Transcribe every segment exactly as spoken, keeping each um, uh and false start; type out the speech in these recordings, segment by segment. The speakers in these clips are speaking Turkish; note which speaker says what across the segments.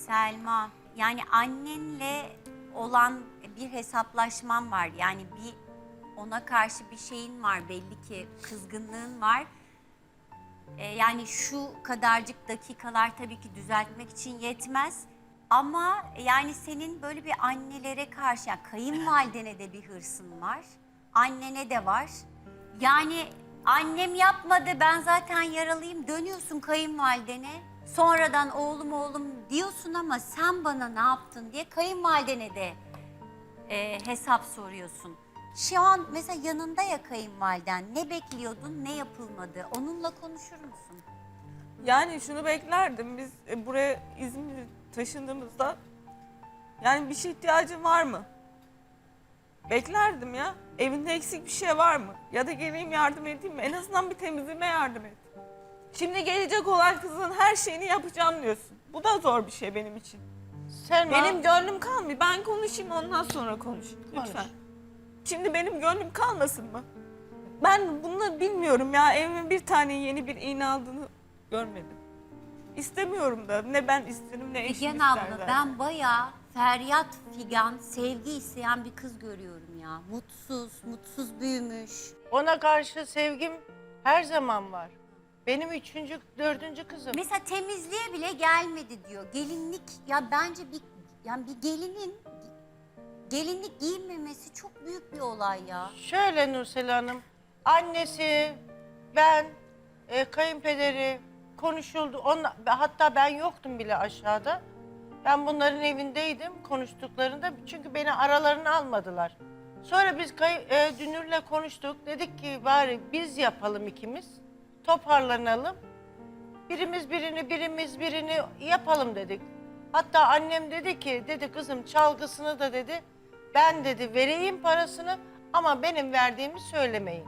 Speaker 1: Selma, yani annenle olan bir hesaplaşman var. Yani bir ona karşı bir şeyin var, belli ki kızgınlığın var. Ee, yani şu kadarcık dakikalar tabii ki düzeltmek için yetmez. Ama yani senin böyle bir annelere karşı, yani kayınvalidene de bir hırsın var. Annene de var. Yani annem yapmadı, ben zaten yaralıyım, dönüyorsun kayınvalidene. Sonradan oğlum oğlum diyorsun ama sen bana ne yaptın diye kayınvalidene de e, hesap soruyorsun. Şu an mesela yanında ya kayınvaliden, ne bekliyordun, ne yapılmadı, onunla konuşur musun?
Speaker 2: Yani şunu beklerdim, biz e, buraya İzmir'e taşındığımızda yani bir şey ihtiyacın var mı? Beklerdim ya. Evinde eksik bir şey var mı? Ya da geleyim yardım edeyim mi? En azından bir temizliğime yardım et. Şimdi gelecek olan kızın her şeyini yapacağım diyorsun. Bu da zor bir şey benim için.
Speaker 3: Selma,
Speaker 2: Benim gönlüm kalmıyor. Ben konuşayım, ondan sonra konuş. Lütfen.
Speaker 3: Konuş.
Speaker 2: Şimdi benim gönlüm kalmasın mı? Ben bunu bilmiyorum ya. Evimin bir tane yeni bir iğne aldığını görmedim. İstemiyorum da. Ne ben isterim ne eşim
Speaker 1: Figen
Speaker 2: ister
Speaker 1: abla,
Speaker 2: zaten.
Speaker 1: ben bayağı feryat figan, sevgi isteyen bir kız görüyorum ya. Mutsuz, mutsuz büyümüş.
Speaker 3: ona karşı sevgim her zaman var. Benim üçüncü, dördüncü kızım.
Speaker 1: Mesela temizliğe bile gelmedi diyor. Gelinlik, ya bence bir yani bir gelinin gelinlik giyinmemesi çok büyük bir olay ya.
Speaker 3: Şöyle Nursel Hanım, annesi, ben, e, kayınpederi konuşuldu. Onla, hatta ben yoktum bile aşağıda. Ben bunların evindeydim konuştuklarında çünkü beni aralarına almadılar. Sonra biz kay, e, Dünür'le konuştuk. Dedik ki bari biz yapalım ikimiz. Toparlanalım. Birimiz birini, birimiz birini yapalım dedik. Hatta annem dedi ki, dedi kızım çalgısını da dedi, ben dedi vereyim parasını ama benim verdiğimi söylemeyin.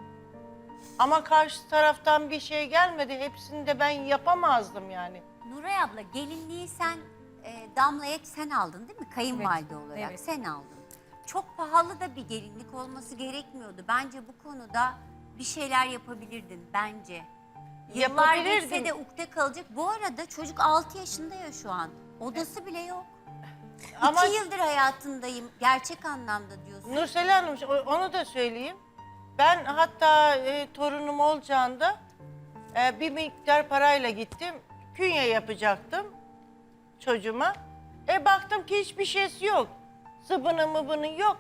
Speaker 3: Ama karşı taraftan bir şey gelmedi, hepsini de ben yapamazdım yani.
Speaker 1: Nuray abla, gelinliği sen e, Damla'ya sen aldın değil mi? Kayınvalide
Speaker 4: Evet,
Speaker 1: olarak
Speaker 4: evet.
Speaker 1: sen aldın. Çok pahalı da bir gelinlik olması gerekmiyordu. Bence bu konuda bir şeyler yapabilirdin bence. Yıllar
Speaker 3: Yapabilirdim.
Speaker 1: geçse de ukde kalacak. Bu arada çocuk altı yaşında ya şu an. Odası bile yok.
Speaker 3: Ama
Speaker 1: İki yıldır hayatındayım. Gerçek anlamda diyorsun.
Speaker 3: Nursel Hanım onu da söyleyeyim. Ben hatta e, torunum olacağında e, bir miktar parayla gittim. Künye yapacaktım çocuğuma. E baktım ki hiçbir şeysi yok. Sıbını mıbını yok.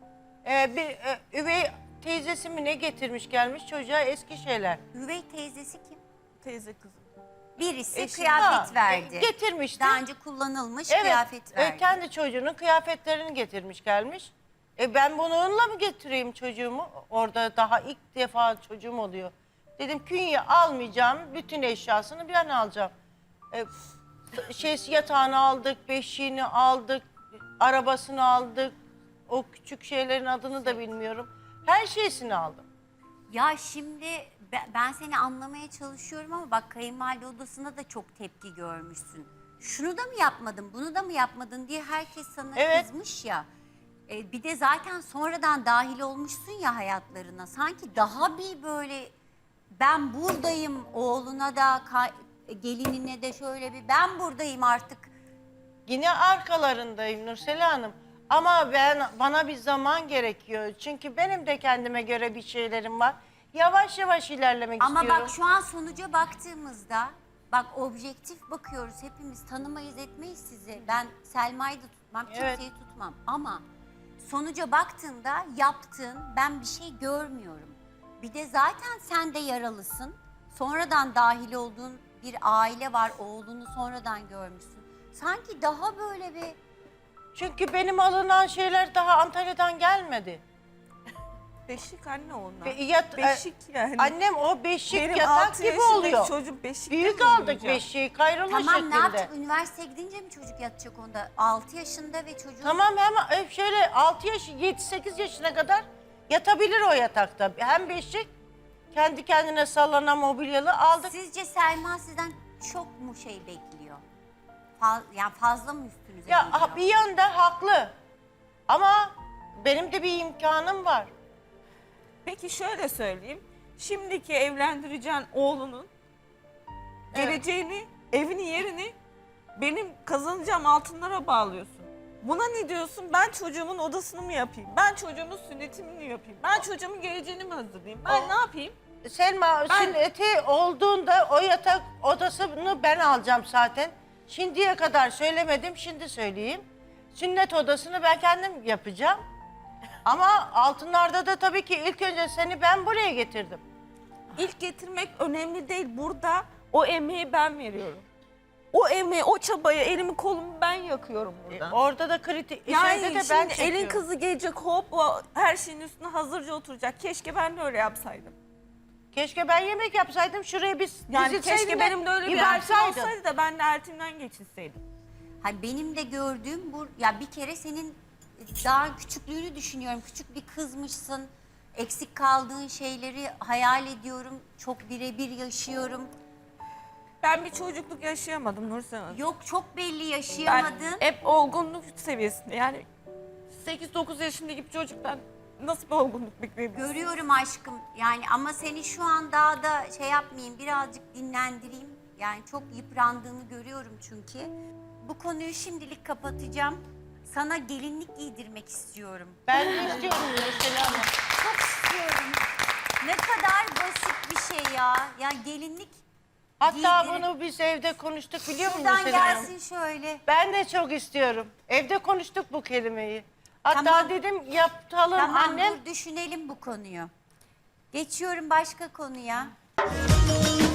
Speaker 3: E, bir e, üvey teyzesi mi ne getirmiş gelmiş çocuğa eski şeyler.
Speaker 1: Üvey teyzesi kim?
Speaker 2: Teyze kızım.
Speaker 1: Birisi
Speaker 2: Eşi-
Speaker 1: kıyafet
Speaker 3: Ha,
Speaker 1: verdi.
Speaker 3: e, getirmişti.
Speaker 1: Daha önce kullanılmış
Speaker 3: Evet,
Speaker 1: kıyafet
Speaker 3: e,
Speaker 1: verdi.
Speaker 3: kendi çocuğunun kıyafetlerini getirmiş gelmiş. E ben bununla mı getireyim çocuğumu? Orada daha ilk defa çocuğum oluyor. Dedim künye almayacağım, bütün eşyasını ben alacağım. E, şey yatağını aldık, beşiğini aldık, arabasını aldık. O küçük şeylerin adını da bilmiyorum. Her şeysini aldım.
Speaker 1: Ya şimdi be- ben seni anlamaya çalışıyorum ama bak kayınvalide odasında da çok tepki görmüşsün. Şunu da mı yapmadın, bunu da mı yapmadın diye herkes sana
Speaker 3: Evet.
Speaker 1: kızmış ya. E, bir de zaten sonradan dahil olmuşsun ya hayatlarına. Sanki daha bir böyle ben buradayım oğluna da ka- gelinine de şöyle bir ben buradayım artık.
Speaker 3: Yine arkalarındayım Nursel Hanım. Ama ben bana bir zaman gerekiyor. Çünkü benim de kendime göre bir şeylerim var. Yavaş yavaş ilerlemek
Speaker 1: Ama
Speaker 3: istiyorum.
Speaker 1: bak şu an sonuca baktığımızda bak objektif bakıyoruz hepimiz tanımayız etmeyiz sizi. Ben Selma'yı da tutmam
Speaker 3: Evet.
Speaker 1: kimseyi tutmam ama sonuca baktığında yaptığın ben bir şey görmüyorum. Bir de zaten sen de yaralısın. Sonradan dahil olduğun bir aile var oğlunu sonradan görmüşsün. Sanki daha böyle bir
Speaker 3: Çünkü benim alınan şeyler daha Antalya'dan gelmedi.
Speaker 2: Beşik anne onlar.
Speaker 3: Be- yat-
Speaker 2: Beşik yani.
Speaker 3: Annem o beşik
Speaker 2: Benim
Speaker 3: yatak
Speaker 2: altı
Speaker 3: gibi
Speaker 2: yaşındaki
Speaker 3: oluyor.
Speaker 2: Çocuk beşikte
Speaker 3: Büyük
Speaker 2: mi
Speaker 3: aldık
Speaker 2: uyuyacak?
Speaker 3: beşiği kayrolu
Speaker 1: tamam
Speaker 3: şeklinde.
Speaker 1: ne yapacak üniversiteye gidince mi çocuk yatacak onda? altı yaşında ve çocuğun
Speaker 3: Tamam hem e, şöyle altı yaş, yedi sekiz yaşına kadar yatabilir o yatakta. Hem beşik kendi kendine sallanan mobilyalı aldık.
Speaker 1: Sizce Selma sizden çok mu şey bekliyor? Faz, yani fazla mı üstünüze
Speaker 3: Ya
Speaker 1: geliyor?
Speaker 3: ha, bir yönde haklı. Ama benim de bir imkanım var.
Speaker 2: Peki şöyle söyleyeyim. Şimdiki evlendireceğin oğlunun
Speaker 3: Evet.
Speaker 2: geleceğini, evini, yerini Benim kazanacağım altınlara bağlıyorsun. Buna ne diyorsun? Ben çocuğumun odasını mı yapayım? Ben çocuğumun sünnetini mi yapayım? Ben çocuğumun geleceğini mi hazırlayayım? Ben
Speaker 3: O-
Speaker 2: ne yapayım?
Speaker 3: Selma
Speaker 2: Ben-
Speaker 3: sünneti olduğunda o yatak odasını ben alacağım zaten. Şimdiye kadar söylemedim, şimdi söyleyeyim. Sünnet odasını ben kendim yapacağım. Ama altınlarda da tabii ki ilk önce seni ben buraya getirdim.
Speaker 2: İlk getirmek önemli değil. Burada o emeği ben veriyorum. O emeği, o çabayı, elimi kolumu ben yakıyorum burada.
Speaker 3: Orada da kritik,
Speaker 2: Yani
Speaker 3: şeyde de
Speaker 2: şimdi
Speaker 3: ben
Speaker 2: elin
Speaker 3: çekiyorum.
Speaker 2: kızı gelecek hop o her şeyin üstüne hazırca oturacak. Keşke ben de öyle yapsaydım.
Speaker 3: Keşke ben yemek yapsaydım, şuraya biz
Speaker 2: Yani
Speaker 3: dizilseydin
Speaker 2: keşke
Speaker 3: de
Speaker 2: benim de öyle bir
Speaker 3: bir
Speaker 2: eltim
Speaker 3: verseydin.
Speaker 2: olsaydı da ben de eltimden geçinseydim.
Speaker 1: Hani benim de gördüğüm bu, ya bir kere senin daha küçüklüğünü düşünüyorum. Küçük bir kızmışsın. Eksik kaldığın şeyleri hayal ediyorum. Çok birebir yaşıyorum.
Speaker 2: Ben bir çocukluk yaşayamadım Nursel Hanım.
Speaker 1: Yok, çok belli
Speaker 2: Ben
Speaker 1: yaşayamadın.
Speaker 2: hep olgunluk seviyesinde yani sekiz dokuz yaşındaki bir çocuktan nasıl bir olgunluk bekleyebilirsin?
Speaker 1: Görüyorum aşkım. Yani ama seni şu an daha da şey yapmayayım, birazcık dinlendireyim. Yani çok yıprandığını görüyorum çünkü. Bu konuyu şimdilik kapatacağım. Sana gelinlik giydirmek istiyorum.
Speaker 3: Ben de istiyorum mesela.
Speaker 1: Çok istiyorum. Ne kadar basit bir şey ya. Ya gelinlik
Speaker 3: Hatta
Speaker 1: giydirin.
Speaker 3: bunu biz evde konuştuk, biliyor musun
Speaker 1: Buradan
Speaker 3: Selena Hanım?
Speaker 1: gelsin şöyle.
Speaker 3: Ben de çok istiyorum. Evde konuştuk bu kelimeyi. Hatta
Speaker 1: Tamam.
Speaker 3: dedim yapalım
Speaker 1: Tamam,
Speaker 3: annem.
Speaker 1: dur düşünelim bu konuyu. Geçiyorum başka konuya.